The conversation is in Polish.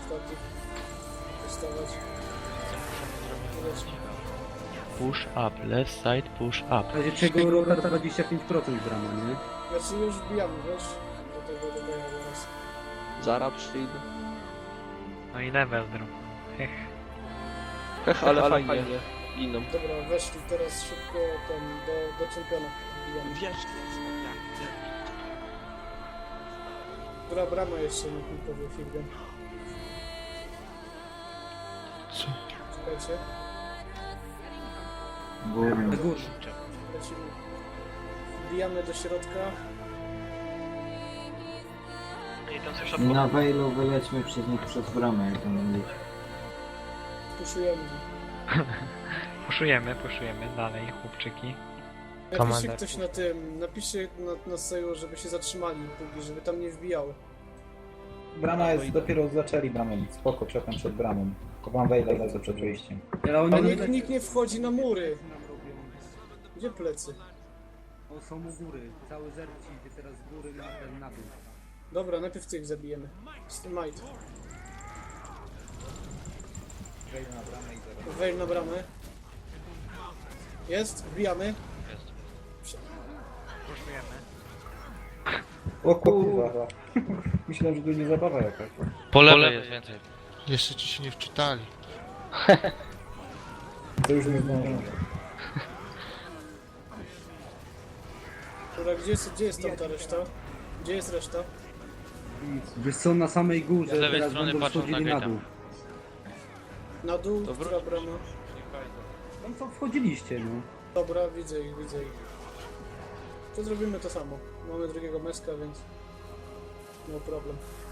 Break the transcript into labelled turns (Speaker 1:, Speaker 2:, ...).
Speaker 1: takich dostawać.
Speaker 2: Push up, left side, push up.
Speaker 3: W razie czego rotar 25% brama, nie?
Speaker 1: Znaczy już wbijamy, wiesz? Do tego dodaję teraz.
Speaker 4: Zara przyjdę.
Speaker 5: No i level drop. Hech.
Speaker 4: Hech, ale fajnie. Iną.
Speaker 1: Dobra, weszli teraz szybko ten do czempiona. Wbijamy.
Speaker 6: Wiesz,
Speaker 1: Która brama jeszcze niech mi powie Filgen.
Speaker 2: Co?
Speaker 1: Czekajcie.
Speaker 3: Na górze.
Speaker 1: Lecimy. Wbijamy do środka.
Speaker 5: I tam coś
Speaker 7: I na Wejlu wylećmy przez nich przez bramę, jak to mówić.
Speaker 1: Puszujemy.
Speaker 5: Puszujemy dalej, chłopczyki.
Speaker 1: Napiszcie
Speaker 5: Komanda.
Speaker 1: ktoś na tym, napiszcie na seju, żeby się zatrzymali póki, żeby tam nie wbijały.
Speaker 8: Brama jest, dopiero zaczęli bramę bić, spoko, czekam przed bramą. Kopam Wejla lecę przed wyjściem.
Speaker 3: Ale
Speaker 1: Ale
Speaker 3: oni
Speaker 1: nikt nie wchodzi na mury.
Speaker 3: nam robią.
Speaker 1: Gdzie plecy?
Speaker 3: O, są u góry. Cały zerci idzie teraz z góry na dół.
Speaker 1: Dobra, najpierw tych zabijemy. Might.
Speaker 8: Wejdę na bramę i zaraz.
Speaker 1: Wejl na bramę. Jest? Wbijamy.
Speaker 5: Puszujemy.
Speaker 8: O kurwa. Myślałem, że tu nie zabawa jakaś.
Speaker 2: Po lewej jest więcej.
Speaker 9: Jeszcze ci się nie wczytali.
Speaker 8: To już nie zdążyłem.
Speaker 1: Dobra, gdzie jest tam ta reszta? Gdzie jest reszta?
Speaker 3: Wiesz co, na samej górze
Speaker 2: Z lewej
Speaker 3: teraz
Speaker 2: strony
Speaker 3: będą
Speaker 2: patrzą na
Speaker 3: wchodzili na
Speaker 2: gate'a.
Speaker 3: dół.
Speaker 1: Na dół,
Speaker 4: To
Speaker 1: która brama?
Speaker 3: Tam co wchodziliście, no.
Speaker 1: Dobra, widzę ich, widzę ich. To zrobimy to samo. Mamy drugiego meska, więc... No problem.